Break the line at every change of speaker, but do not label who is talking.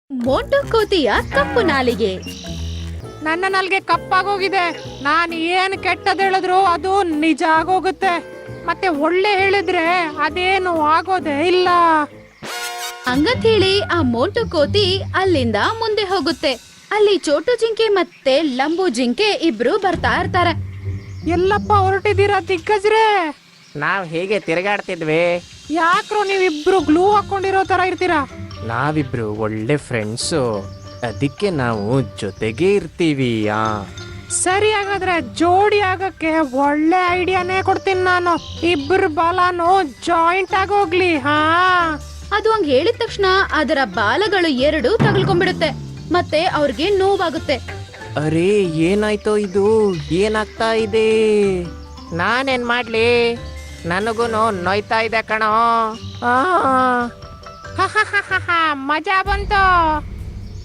ಮೋಟು ಕೋತಿಯ ಕಪ್ಪು ನಾಲಿಗೆ.
ನನ್ನ ನಾಲ್ಗೆ ಕಪ್ಪಾಗೋಗಿದೆ. ನಾನು ಏನು ಕೆಟ್ಟದ್ ಹೇಳಿದ್ರು ಅದು ನಿಜ ಆಗೋಗುತ್ತೆ, ಮತ್ತೆ ಒಳ್ಳೆ ಹೇಳಿದ್ರೆ ಅದೇನು ಆಗೋದೇ ಇಲ್ಲ.
ಹಂಗಂತ ಹೇಳಿ ಆ ಮೋಟು ಕೋತಿ ಅಲ್ಲಿಂದ ಮುಂದೆ ಹೋಗುತ್ತೆ. ಅಲ್ಲಿ ಚೋಟು ಜಿಂಕೆ ಮತ್ತೆ ಲಂಬು ಜಿಂಕೆ ಇಬ್ರು ಬರ್ತಾ ಇರ್ತಾರೆ.
ಎಲ್ಲಪ್ಪ ಹೊರಟಿದ್ದೀರಾ ದಿಗ್ಗಜ್ರೆ?
ನಾವ್ ಹೇಗೆ ತಿರುಗಾಡ್ತಿದ್ವಿ.
ಯಾಕ್ರೋ ನೀವಿಬ್ರು ಗ್ಲೂ ಹಾಕೊಂಡಿರೋ ತರ ಇರ್ತೀರಾ?
ನಾವಿಬ್ರು ಒಳ್ಳೆ ಫ್ರೆಂಡ್ಸು, ಅದಕ್ಕೆ ನಾವು ಜೊತೆಗೆ ಇರ್ತೀವಿ.
ಸರಿ, ಹಾಗಾದ್ರೆ ಜೋಡಿ ಆಗಕ್ಕೆ ಒಳ್ಳೆ ಐಡಿಯಾನೇ ಕೊಡ್ತೀನಿ ನಾನು. ಇಬ್ರು ಬಾಲನು ಜಾಯಿಂಟ್ ಆಗೋಗ್ಲಿ.
ಅದು ಹಂಗ ಹೇಳಿದ ತಕ್ಷಣ ಅದರ ಬಾಲಗಳು ಎರಡು ತಗಲ್ಕೊಂಡ್ಬಿಡುತ್ತೆ ಮತ್ತೆ ಅವ್ರಿಗೆ ನೋವಾಗುತ್ತೆ.
ಅರೆ ಏನಾಯ್ತೋ ಇದು, ಏನಾಗ್ತಾ ಇದೆ? ನಾನೇನ್ ಮಾಡ್ಲಿ, ನನಗೂ ನೋಯ್ತಾ ಇದೆ ಕಣೋ.
ಮಜಾ ಬಂತು.